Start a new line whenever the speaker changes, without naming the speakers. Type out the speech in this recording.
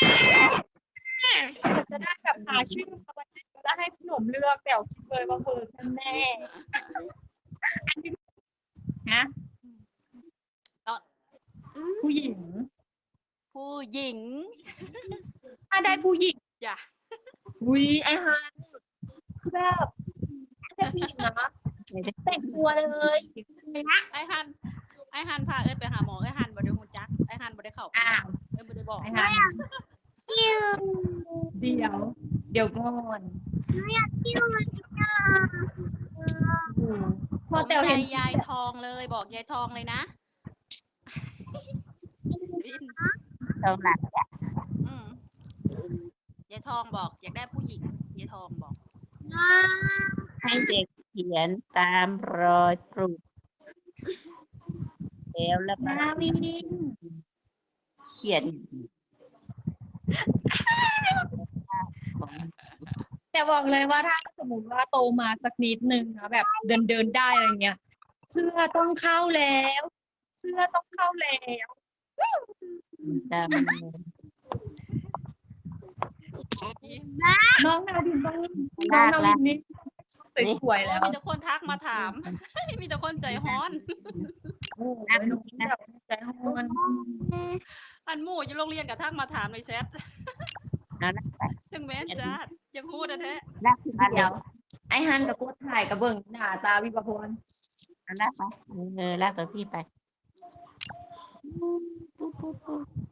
จะได้แบบหาชื่อมาวันนี้แล้วให้ขนมเลือกแต่คิดเลยว่าเบอร์แน่อันนี้นะผู้หญิง
ผู้หญิง
ถ้าได้ผู้หญิง
จ้ะ
อุ้ยไอฮันคือแบบถ้าได้ผู้หญิงนะแต่งตัวเลยนะ
ไอฮันพาเอ้ยไปหาหมอไอฮันบ่ได้ฮู้จักไอฮันบ่ได้เข้าไปเอ้ยบ่ได้บอก
ไอฮันเดี๋ยวก่อนพอแต่เห็น
ยายทองเลยบอกยายทองเลยนะ
ตรงหลัง
ยายทองบอกอยากได้ผู้หญิงยายทองบอก
ให้เด็กเขียนตามรอยปลูกแล้วก็
นาวิน
เขียน
แต่บอกเลยว่าถ้าสมมติว่าโตมาสักนิดนึงนะแบบเดินได้อะไรเงี้ยเสื้อต้องเข้าแล้ว
ตาม
น้องนาวินต้องน้องนาวินนี่สวยๆแล้ว
มีแต่คนทักมาถาม มีแต่คนใจฮ้อน
โอ้ยน้องแบบใจฮ้อน
อันหมู่อยู่โรงเรียนกับทักมาถามในแชท
เอาละไป
ถึงแม้นจ้ายังพูดแท้
รักมา
เดี๋ยวไอฮันกับกูถ่ายกับเบิ่งหน้าตาวิบพร
เอาละไปรักตัวพี่ไป